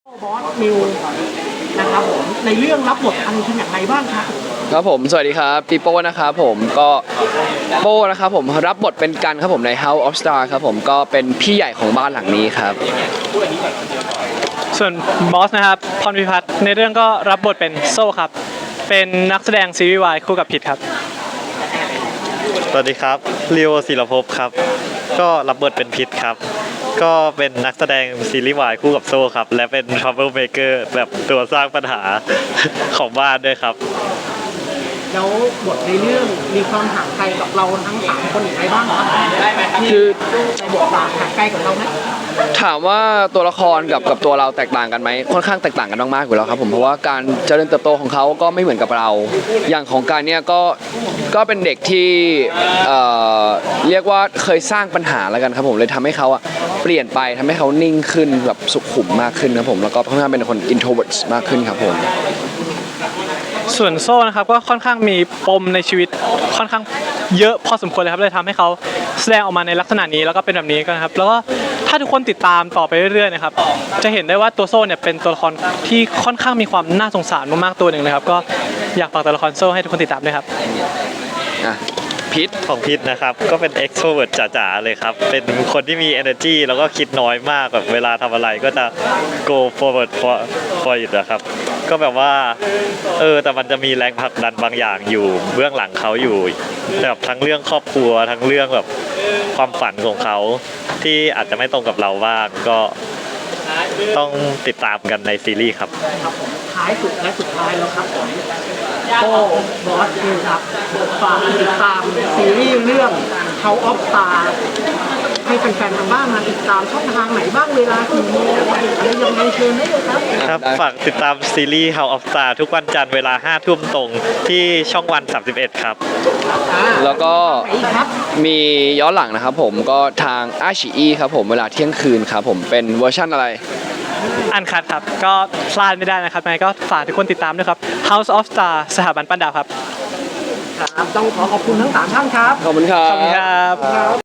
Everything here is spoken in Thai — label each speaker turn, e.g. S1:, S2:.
S1: บอสมิวนะครับผมในเรื่องรับบทอะไรเป็นอย่างไรบ้างครับ
S2: ครับผมสวัสดีครับปีโป้นะครับผมก็โป้นะครับผมรับบทเป็นกันครับผมใน House of Star ครับผมก็เป็นพี่ใหญ่ของบ้านหลังนี้ครับ
S3: ส่วนบอสนะครับพรพิพัฒน์ในเรื่องก็รับบทเป็นโซ่ครับเป็นนักแสดงซีรีส์วายคู่กับพิทครับ
S4: สวัสดีครับลีโอศิลภพครับก็รับบทเป็นพิษครับก็เป็นนักแสดงซีรีส์วายคู่กับโซ่ครับและเป็น trouble maker แบบตัวสร้างปัญหา ของบ้านด้วยครับ
S1: แล้วบทในเรื่องมีความห่างไกลกับเราทั้ง3คนอย่างไรบ้างครับ
S2: คือ
S1: ในบทบาทห่างไกลกับเราไหม
S2: ถามว่าตัวละครกับตัวเราแตกต่างกันไหมค่อนข้างแตกต่างกันมากๆอยู่แล้วครับผมเพราะว่าการเจริญเติบโตของเขาก็ไม่เหมือนกับเราอย่างของการเนี่ยก็เป็นเด็กที่เรียกว่าเคยสร้างปัญหาแล้วกันครับผมเลยทำให้เขาเปลี่ยนไปทำให้เขานิ่งขึ้นแบบสุขุมมากขึ้นครับผมแล้วก็ค่อนข้างเป็นคน introvert มากขึ้นครับผม
S3: ส่วนโซ่นะครับก็ค่อนข้างมีปมในชีวิตค่อนข้างเยอะพอสมควรเลยครับเลยทำให้เขาแสดงออกมาในลักษณะนี้แล้วก็เป็นแบบนี้กันครับแล้วก็ถ้าทุกคนติดตามต่อไปเรื่อยๆนะครับจะเห็นได้ว่าตัวโซ่เนี่ยเป็นตัวละครที่ค่อนข้างมีความน่าสงสารมากๆตัวหนึ่งเลยครับก็อยากฝากตัวละครโซ่ให้ทุกคนติดตามด้วยครับ
S4: พิษของพิษนะครับก็เป็น extrovert จ๋าๆเลยครับเป็นคนที่มี energy แล้วก็คิดน้อยมากแบบเวลาทำอะไรก็จะ go forward for it นะครับก็แบบว่าแต่มันจะมีแรงผลักดันบางอย่างอยู่เบื้องหลังเขาอยู่แบบทั้งเรื่องครอบครัวทั้งเรื่องแบบความฝันของเขาที่อาจจะไม่ตรงกับเราบ้างก็ต้องติดตามกันในซีรีส์ครับ
S1: ท้ายสุดและสุดท้ายแล้วครับโป้บอสมิวครับฝากติดตามซีรีส์เรื่อง House of Star ให้แฟนๆทางบ้านมาติดตามช่องทางไหนบ้างเวลากี่โมงอะไรยังไงเชิญได้เลยครับ
S4: ครับฝากติดตามซีรีส์ House of Star ทุกวันจันทร์เวลา 5 ทุ่มตรงที่ช่องวัน 31 ครับ
S2: แล้วก็มีย้อนหลังนะครับผมก็ทางอาชีอีครับผมเวลาเที่ยงคืนครับผมเป็นเวอร์ชั่นอะไร
S3: อันคัดครับก็พลาดไม่ได้นะครับยังไงก็ฝากทุกคนติดตามด้วยครับ House of Star สถาบันปั้นดาวครับ
S1: ต้องขอขอบคุณทั้ง3ท่านครับ
S2: ขอบคุณครับ
S3: ขอบคุณครับ